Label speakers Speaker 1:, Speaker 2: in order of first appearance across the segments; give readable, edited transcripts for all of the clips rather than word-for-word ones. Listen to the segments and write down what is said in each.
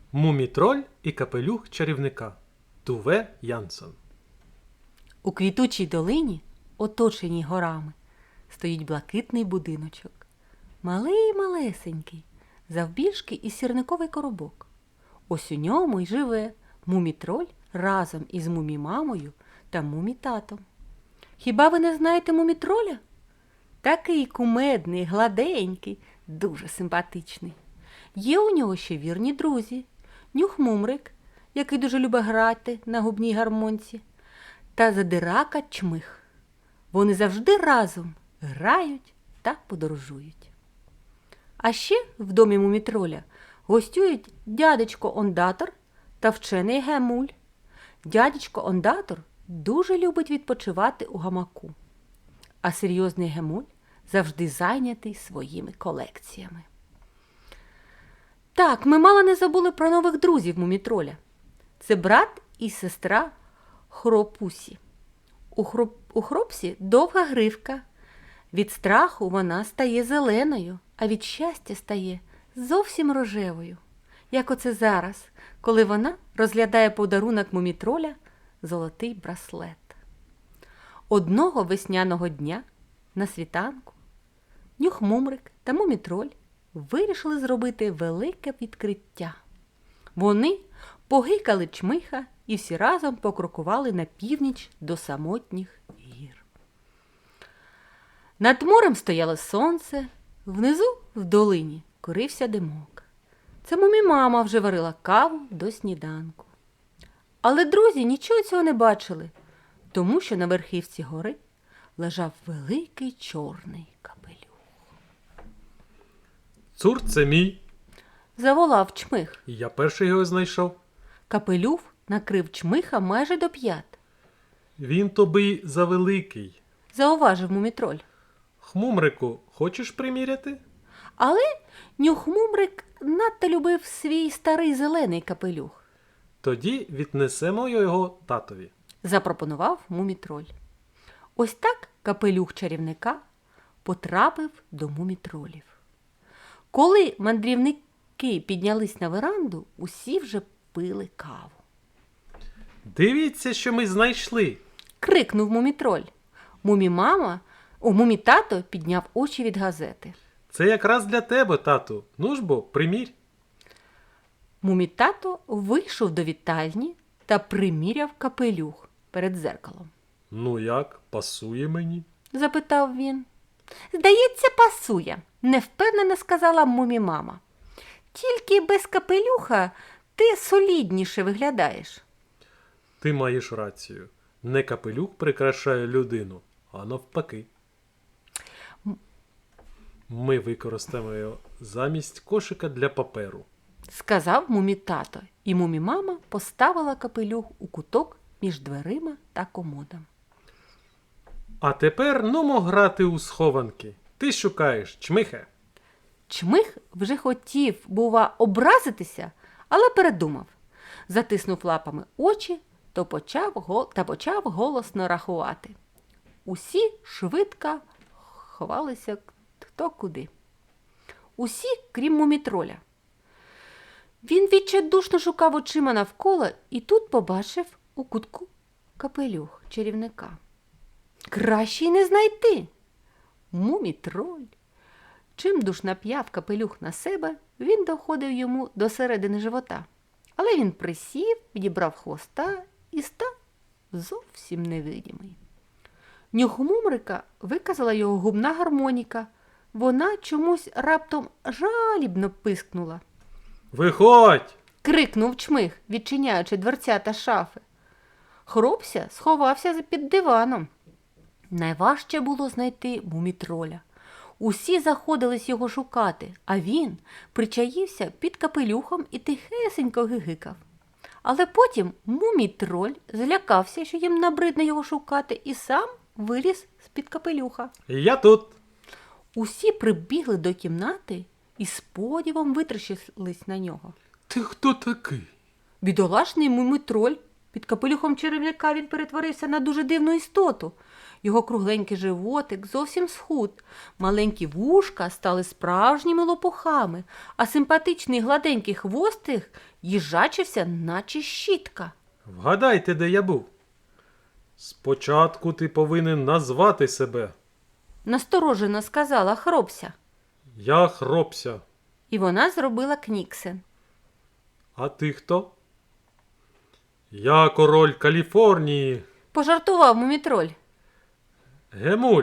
Speaker 1: Мумітроль і капелюх чарівника. Туве Янсон.
Speaker 2: У квітучій долині, оточеній горами, стоїть блакитний будиночок. Малий-малесенький, завбільшки із сірниковий коробок. Ось у ньому й живе мумітроль разом із мумімамою та мумітатом. Хіба ви не знаєте мумітроля? Такий кумедний, гладенький, дуже симпатичний. Є у нього ще вірні друзі. Нюх-мумрик, який дуже любить грати на губній гармонці, та задирака Чмих. Вони завжди разом грають та подорожують. А ще в домі мумітроля гостюють дядечко Ондатор та вчений Гемуль. Дядечко Ондатор дуже любить відпочивати у гамаку, а серйозний Гемуль завжди зайнятий своїми колекціями. Так, ми мало не забули про нових друзів мумітроля. Це брат і сестра Хропусі. У Хропсі довга гривка. Від страху вона стає зеленою, а від щастя стає зовсім рожевою. Як оце зараз, коли вона розглядає подарунок мумітроля – золотий браслет. Одного весняного дня на світанку Нюх-мумрик та мумітроль вирішили зробити велике відкриття. Вони погикали Чмиха і всі разом покрокували на північ до самотніх гір. Над морем стояло сонце, внизу в долині курився димок. Це мумімама вже варила каву до сніданку. Але друзі нічого цього не бачили, тому що на верхівці гори лежав великий чорний капелюх.
Speaker 1: Цур, це мій.
Speaker 2: Заволав Чмих.
Speaker 1: Я перший його знайшов.
Speaker 2: Капелюх накрив Чмиха майже до п'ят.
Speaker 1: Він тобі завеликий.
Speaker 2: Зауважив мумітроль.
Speaker 1: Хмумрику, хочеш приміряти?
Speaker 2: Але Нюх-мумрик надто любив свій старий зелений капелюх.
Speaker 1: Тоді віднесемо його татові.
Speaker 2: Запропонував мумітроль. Ось так капелюх чарівника потрапив до мумітролів. Коли мандрівники піднялись на веранду, усі вже пили каву.
Speaker 1: Дивіться, що ми знайшли.
Speaker 2: Крикнув мумітроль. Мумітато підняв очі від газети.
Speaker 1: Це якраз для тебе, тату. Ну ж бо, примірь.
Speaker 2: Мумітато вийшов до вітальні та приміряв капелюх перед дзеркалом.
Speaker 1: Ну як, пасує мені?
Speaker 2: Запитав він. Здається, пасує, невпевнено сказала мумімама. Тільки без капелюха ти солідніше виглядаєш.
Speaker 1: Ти маєш рацію. Не капелюх прикрашає людину, а навпаки. Ми використаємо його замість кошика для паперу.
Speaker 2: Сказав мумітато, і мумімама поставила капелюх у куток між дверима та комодом.
Speaker 1: А тепер нумо грати у схованки. Ти шукаєш, Чмихе.
Speaker 2: Чмих вже хотів, бува, образитися, але передумав. Затиснув лапами очі та почав голосно рахувати. Усі швидко ховалися хто куди. Усі, крім мумітроля. Він відчайдушно шукав очима навколо і тут побачив у кутку капелюх чарівника. Краще й не знайти. Мумітроль. Чимдуж нап'яв капелюх на себе, він доходив йому до середини живота. Але він присів, відібрав хвоста і став зовсім невидимий. Нюх-мумрика виказала його губна гармоніка. Вона чомусь раптом жалібно пискнула.
Speaker 1: Виходь!
Speaker 2: Крикнув Чмих, відчиняючи дверцята шафи. Хропся сховався під диваном. Найважче було знайти мумітроля. Усі заходились його шукати, а він причаївся під капелюхом і тихесенько гигикав. Але потім мумітроль злякався, що їм набридне його шукати, і сам виліз з-під капелюха.
Speaker 1: Я тут.
Speaker 2: Усі прибігли до кімнати і з подивом витріщились на нього.
Speaker 1: Ти хто такий?
Speaker 2: Бідолашний мумітроль. Під капелюхом чарівника він перетворився на дуже дивну істоту. Його кругленький животик зовсім схуд, маленькі вушка стали справжніми лопухами, а симпатичний гладенький хвостик їжачився, наче щітка.
Speaker 1: Вгадайте, де я був. Спочатку ти повинен назвати себе.
Speaker 2: Насторожено сказала Хробся.
Speaker 1: Я Хробся.
Speaker 2: І вона зробила кніксен.
Speaker 1: А ти хто? Я король Каліфорнії.
Speaker 2: Пожартував Мумітроль.
Speaker 1: Гемуль.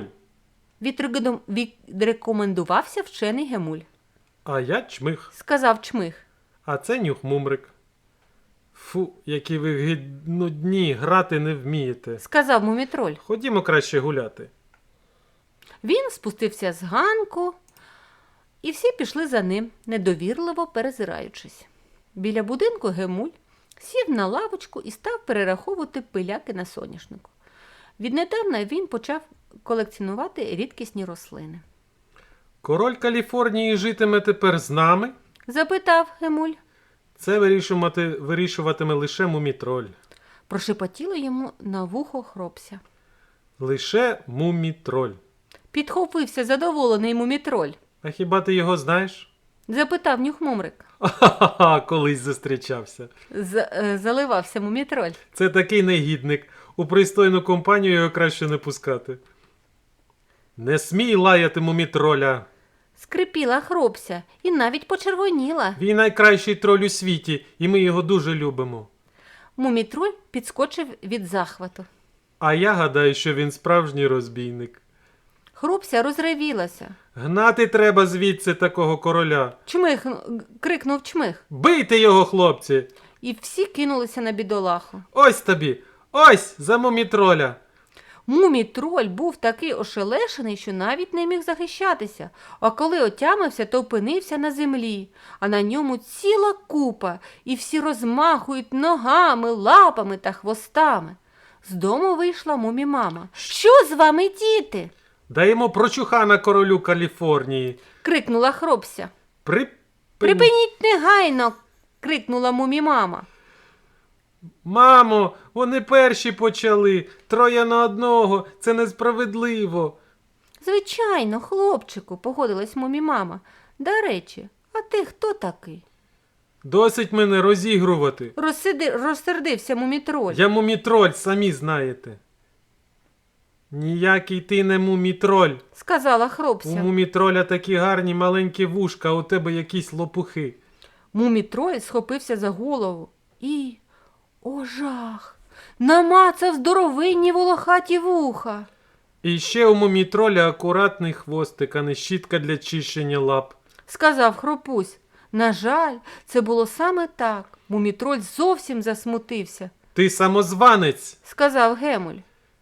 Speaker 2: Відрекомендувався вчений Гемуль.
Speaker 1: А я Чмих.
Speaker 2: Сказав Чмих.
Speaker 1: А це Нюх-Мумрик. Фу, які ви нудні, грати не вмієте.
Speaker 2: Сказав Мумітроль.
Speaker 1: Ходімо краще гуляти.
Speaker 2: Він спустився з ганку, і всі пішли за ним, недовірливо перезираючись. Біля будинку Гемуль сів на лавочку і став перераховувати пиляки на соняшнику. Віднедавна він почав колекціонувати рідкісні рослини.
Speaker 1: Король Каліфорнії житиме тепер з нами?
Speaker 2: Запитав Гемуль.
Speaker 1: Це вирішуватиме лише Мумітроль.
Speaker 2: Прошепотіло йому на вухо Хробся.
Speaker 1: Лише Мумітроль.
Speaker 2: Підхопився задоволений Мумітроль.
Speaker 1: А хіба ти його знаєш?
Speaker 2: Запитав Нюх-Мумрик.
Speaker 1: Ха-ха-ха, колись зустрічався.
Speaker 2: Заливався Мумітроль.
Speaker 1: Це такий негідник. У пристойну компанію його краще не пускати. Не смій лаяти Мумітроля.
Speaker 2: Скрипіла Хробся і навіть почервоніла.
Speaker 1: Він найкращий троль у світі, і ми його дуже любимо.
Speaker 2: Мумітроль підскочив від захвату.
Speaker 1: А я гадаю, що він справжній розбійник.
Speaker 2: Хробся розревілася.
Speaker 1: Гнати треба звідси такого короля.
Speaker 2: Чмих! Крикнув Чмих.
Speaker 1: Бийте його, хлопці!
Speaker 2: І всі кинулися на бідолаху.
Speaker 1: Ось тобі! Ось за Мумітроля!
Speaker 2: Мумітроль був такий ошелешений, що навіть не міг захищатися, а коли отямився, то опинився на землі, а на ньому ціла купа, і всі розмахують ногами, лапами та хвостами. З дому вийшла Мумімама. «Що з вами, діти?»
Speaker 1: Даємо прочухана королю Каліфорнії.
Speaker 2: крикнула Хробся.
Speaker 1: Припиніть!
Speaker 2: негайно!» крикнула Мумімама.
Speaker 1: Мамо, вони перші почали. 3 на 1. Це несправедливо.
Speaker 2: «Звичайно, хлопчику», погодилась Мумімама. «До речі, а ти хто такий?»
Speaker 1: Досить мене розігрувати.
Speaker 2: Розсердився Мумітроль.
Speaker 1: Я Мумітроль, самі знаєте. Ніякий ти не Мумітроль.
Speaker 2: Сказала
Speaker 1: У
Speaker 2: Хробся.
Speaker 1: Мумітроля такі гарні маленькі вушка, а у тебе якісь лопухи.
Speaker 2: Мумітроль схопився за голову і, о жах, намацав здоровинні волохаті вуха.
Speaker 1: І ще у Мумітроля акуратний хвостик, а не щітка для чищення лап.
Speaker 2: Сказав Хропусь. На жаль, це було саме так. Мумітроль зовсім засмутився.
Speaker 1: Ти самозванець!
Speaker 2: Сказав Гемуль.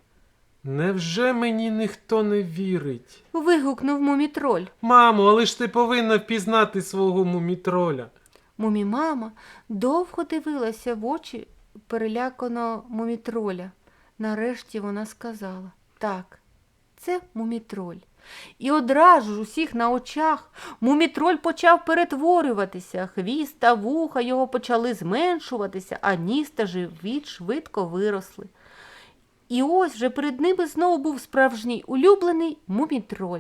Speaker 1: Невже мені ніхто не вірить?
Speaker 2: Вигукнув Мумітроль.
Speaker 1: Мамо, але ж ти повинна впізнати свого Мумітроля.
Speaker 2: Мумімама довго дивилася в очі переляканого Мумітроля. Нарешті вона сказала: «Так, це Мумітроль». І одразу ж усіх на очах Мумітроль почав перетворюватися, хвіст та вуха його почали зменшуватися, а ніс та живіт швидко виросли. І ось вже перед ними знову був справжній улюблений Мумітроль.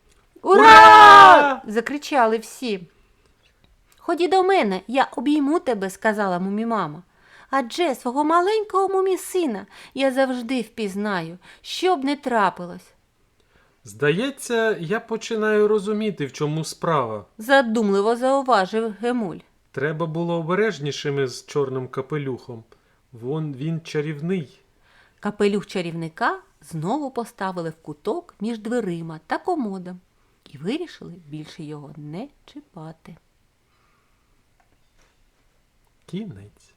Speaker 2: «Ура!» – закричали всі. «Ході до мене, я обійму тебе», – сказала Мумімама. «Адже свого маленького мумі-сина я завжди впізнаю, що б не трапилось».
Speaker 1: Здається, я починаю розуміти, в чому справа.
Speaker 2: Задумливо зауважив Гемуль.
Speaker 1: Треба було обережнішими з чорним капелюхом. Він чарівний.
Speaker 2: Капелюх чарівника знову поставили в куток між дверима та комодом і вирішили більше його не чіпати.
Speaker 1: Кінець.